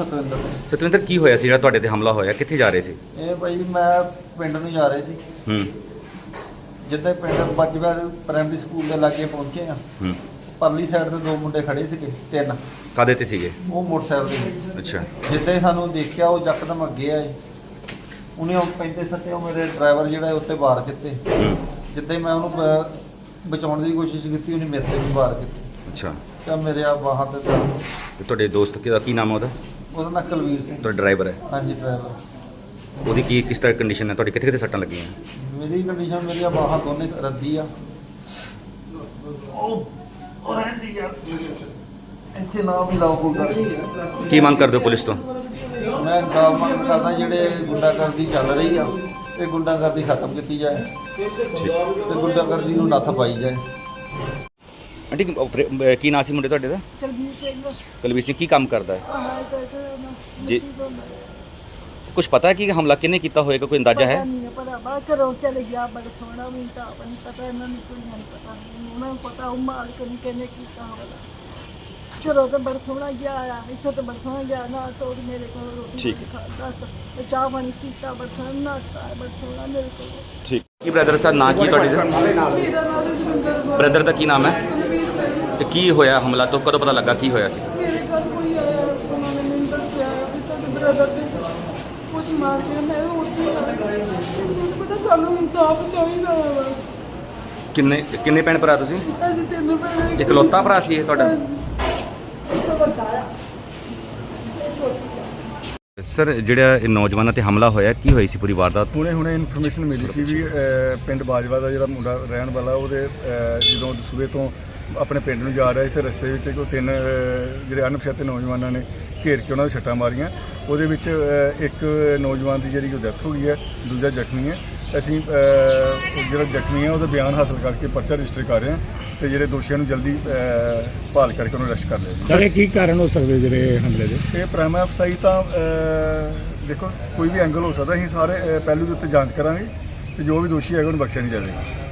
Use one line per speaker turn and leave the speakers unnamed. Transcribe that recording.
ਸਤਵਿੰਦਰ ਸਿੰਘ।
ਸਤਵਿੰਦਰ ਕੀ ਹੋਇਆ ਸੀ ਜਿਹੜਾ ਤੁਹਾਡੇ ਤੇ ਹਮਲਾ ਹੋਇਆ, ਕਿੱਥੇ ਜਾ ਰਹੇ ਸੀ?
ਇਹ ਭਾਈ ਮੈਂ ਪਿੰਡ ਨੂੰ ਜਾ ਰਹੇ ਸੀ। ਜਿੱਦਾਂ ਪਿੰਡ ਬੱਜਵਾ ਪ੍ਰਾਇਮਰੀ ਸਕੂਲ ਦੇ ਲਾਗੇ ਪਹੁੰਚੇ ਆ, ਪਰਲੀ ਸਾਈਡ ਤੇ ਦੋ ਮੁੰਡੇ ਖੜੇ ਸੀਗੇ, ਤਿੰਨ।
ਕਾਹਦੇ ਤੇ ਸੀਗੇ?
ਉਹ ਮੋਟਰਸਾਈਕਲ ਤੇ।
ਅੱਛਾ।
ਜਿੱਦਾਂ ਹੀ ਸਾਨੂੰ ਦੇਖਿਆ ਉਹ ਯਕਦਮ ਅੱਗੇ ਆਏ, ਉਹਨੇ ਉਹ ਪੈਂਦੇ ਸੱਟੇ ਉਹ ਮੇਰੇ ਡਰਾਈਵਰ ਜਿਹੜਾ ਉੱਤੇ ਵਾਰ ਕੀਤੇ। ਜਿੱਦਾਂ ਹੀ ਮੈਂ ਉਹਨੂੰ ਬਚਾਉਣ ਦੀ ਕੋਸ਼ਿਸ਼ ਕੀਤੀ, ਉਹਨੇ ਮੇਰੇ ਤੇ ਵੀ ਵਾਰ ਕੀਤੇ।
ਅੱਛਾ।
ਤਾਂ ਮੇਰੇ ਆ ਬਾਹਾਂ ਤੇ
ਤੇ ਤੁਹਾਡੇ ਦੋਸਤ ਦਾ ਕੀ ਨਾਮ ਹੈ
ਉਹਦਾ ਨਾਂ ਕੁਲਵੀਰ ਸਿੰਘ।
ਤੁਹਾਡਾ ਡਰਾਈਵਰ ਹੈ?
ਹਾਂਜੀ ਡਰਾਈਵਰ।
ਉਹਦੀ ਕਿਸ ਤਰ੍ਹਾਂ ਕੰਡੀਸ਼ਨ ਹੈ? ਤੁਹਾਡੀ ਕਿੱਥੇ ਕਿੱਥੇ ਸੱਟਾਂ ਲੱਗੀਆਂ?
ਮੇਰੀ ਕੰਡੀਸ਼ਨ, ਮੇਰੀਆਂ ਬਾਹਾਂ ਦੋਨੇ ਰੱਦੀ ਆ। ਉਹ ਰਹਿੰਦੀ ਆ ਇੱਥੇ ਨਾ ਵੀ ਲਾਓ ਕੋਈ ਗੱਲ।
ਕੀ ਮੰਗ ਕਰਦੇ ਹੋ ਪੁਲਿਸ ਤੋਂ?
ਮੈਂ ਇਨਸਾਫ ਮੰਗ ਕਰਦਾ, ਜਿਹੜੇ ਗੁੰਡਾਗਰਦੀ ਚੱਲ ਰਹੀ ਆ ਇਹ ਗੁੰਡਾਗਰਦੀ ਖਤਮ ਕੀਤੀ ਜਾਏ ਤੇ ਗੁੰਡਾਗਰਦੀ ਨੂੰ ਨੱਥ ਪਾਈ ਜਾਏ।
ਆਂਟੀ ਕੀ ਨਾਂ ਸੀ ਮੁੰਡੇ ਤੁਹਾਡੇ ਦਾ?
ਕੁਲਵੀਰ ਸਿੰਘ।
ਕੁਲਵੀਰ ਸਿੰਘ ਕੀ ਕੰਮ ਕਰਦਾ ਹੈ ਜੀ? ਕੁਝ ਪਤਾ ਹੈ ਕਿ ਹਮਲਾ ਕਿਹਨੇ ਕੀਤਾ ਹੋਏਗਾ, ਕੋਈ ਅੰਦਾਜ਼ਾ ਹੈ?
ਨਹੀਂ ਪਤਾ, ਬਾਹਰ ਘਰੋਂ ਚਲੇ ਗਿਆ, ਬੜਾ ਸੋਹਣਾ ਵੀ ਤਾਂ ਨਹੀਂ ਪਤਾ, ਇਹਨਾਂ ਨੂੰ ਕੋਈ ਨਹੀਂ ਪਤਾ, ਉਹਨਾਂ ਨੂੰ ਪਤਾ ਉਹ ਮਾਲਕ ਨੂੰ ਕਿਹਨੇ ਕੀਤਾ ਹੋਵੇਗਾ। ਚਲੋ ਤਾਂ ਬੜਾ ਸੋਹਣਾ ਗਿਆ ਆ, ਇੱਥੋਂ ਤਾਂ ਬੜਾ ਸੋਹਣਾ ਗਿਆ ਨਾ, ਤੋੜ ਮੇਰੇ ਕੋਲ ਰੋਟੀ
ਠੀਕ
ਖਾਦਾ ਤੇ ਚਾਹ ਪਾਣੀ ਪੀਤਾ, ਬੜਾ ਸੋਹਣਾ ਨਾਤਾ, ਬੜਾ ਸੋਹਣਾ ਮੇਰੇ ਕੋਲ।
ਠੀਕ। ਕੀ ਬ੍ਰਦਰ ਦਾ ਨਾਂ ਕੀ ਤੁਹਾਡੇ ਦਾ?
ਮੇਰਾ ਨਾਮ ਰਜਿੰਦਰ ਕੌਰ।
ਬ੍ਰਦਰ ਦਾ ਕੀ ਨਾਮ ਹੈ?
ਕੁਲਵੀਰ ਸਿੰਘ।
ਤੇ ਕੀ ਹੋਇਆ ਹਮਲਾ, ਤੋਂ ਕਦੋਂ ਪਤਾ ਲੱਗਾ ਕੀ ਹੋਇਆ ਸੀ?
ਮੇਰੇ ਘਰ ਕੋਈ ਆਇਆ, ਉਹਨਾਂ ਨੇ ਮੈਨੂੰ ਦੱਸਿਆ ਵੀ ਤੁਹਾਡੇ ਬ੍ਰਦਰ ਦੇ ਕੁਛ ਮਾਰ ਕੇ, ਮੈਂ ਉੱਥੇ ਆ ਗਈ। ਮੈਨੂੰ ਪਤਾ ਸਾਨੂੰ ਇਨਸਾਫ ਚਾਹੀਦਾ ਹੈ ਬਸ।
ਕਿੰਨੇ ਭੈਣ ਭਰਾ ਤੁਸੀਂ?
ਅਸੀਂ ਤਿੰਨ ਭੈਣਾਂ।
ਇਕਲੌਤਾ ਭਰਾ ਸੀ ਇਹ ਤੁਹਾਡਾ? ਸਰ, ਜਿਹੜਾ ਇਹ ਨੌਜਵਾਨਾਂ ਤੇ ਹਮਲਾ ਹੋਇਆ, ਕੀ ਹੋਈ ਸੀ ਪੂਰੀ ਵਾਰਦਾਤ?
ਹੁਣੇ ਇਨਫੋਰਮੇਸ਼ਨ ਮਿਲੀ ਸੀ ਵੀ ਪਿੰਡ ਬਾਜਵਾ ਦਾ ਜਿਹੜਾ ਮੁੰਡਾ ਰਹਿਣ ਵਾਲਾ, ਉਹਦੇ ਜਦੋਂ ਸੂਬੇ ਤੋਂ ਆਪਣੇ ਪਿੰਡ ਨੂੰ ਜਾ ਰਿਹਾ ਸੀ ਤੇ ਰਸਤੇ ਵਿੱਚ ਕੋਈ ਤਿੰਨ ਜਿਹੜੇ ਅਣਪਛਾਤੇ ਨੌਜਵਾਨਾਂ ਨੇ ਘੇਰ ਕੇ ਉਹਨਾਂ ਦੇ ਸੱਟਾਂ ਮਾਰੀਆਂ। ਉਹਦੇ ਵਿੱਚ ਇੱਕ ਨੌਜਵਾਨ ਦੀ ਜਿਹੜੀ ਡੈਥ ਹੋ ਗਈ ਹੈ, ਦੂਜਾ ਜ਼ਖਮੀ ਹੈ। ਅਸੀਂ ਜਿਹੜਾ ਜ਼ਖਮੀ ਹੈ ਉਹਦਾ ਬਿਆਨ ਹਾਸਲ ਕਰਕੇ ਪਰਚਾ ਰਜਿਸਟਰ ਕਰ ਰਹੇ ਹਾਂ ਤੇ ਜਿਹੜੇ ਦੋਸ਼ੀਆਂ ਨੂੰ ਜਲਦੀ ਭਾਲ ਕਰਕੇ ਉਹਨੂੰ ਅਰੈਸਟ ਕਰ ਲਿਆ।
ਸਰ, ਇਹ ਕੀ ਕਾਰਨ ਹੋ ਸਕਦੇ ਜਿਹੜੇ ਹਮਲੇ ਦੇ?
ਇਹ ਪ੍ਰਾਈਮ ਅਫਸਾਈ ਤਾਂ ਦੇਖੋ ਕੋਈ ਵੀ ਐਂਗਲ ਹੋ ਸਕਦਾ, ਅਸੀਂ ਸਾਰੇ ਪਹਿਲੂ ਦੇ ਉੱਤੇ ਜਾਂਚ ਕਰਾਂਗੇ ਤੇ ਜੋ ਵੀ ਦੋਸ਼ੀ ਹੈਗਾ ਉਹਨੂੰ ਬਖਸ਼ਿਆ ਨਹੀਂ ਜਾਵੇਗਾ।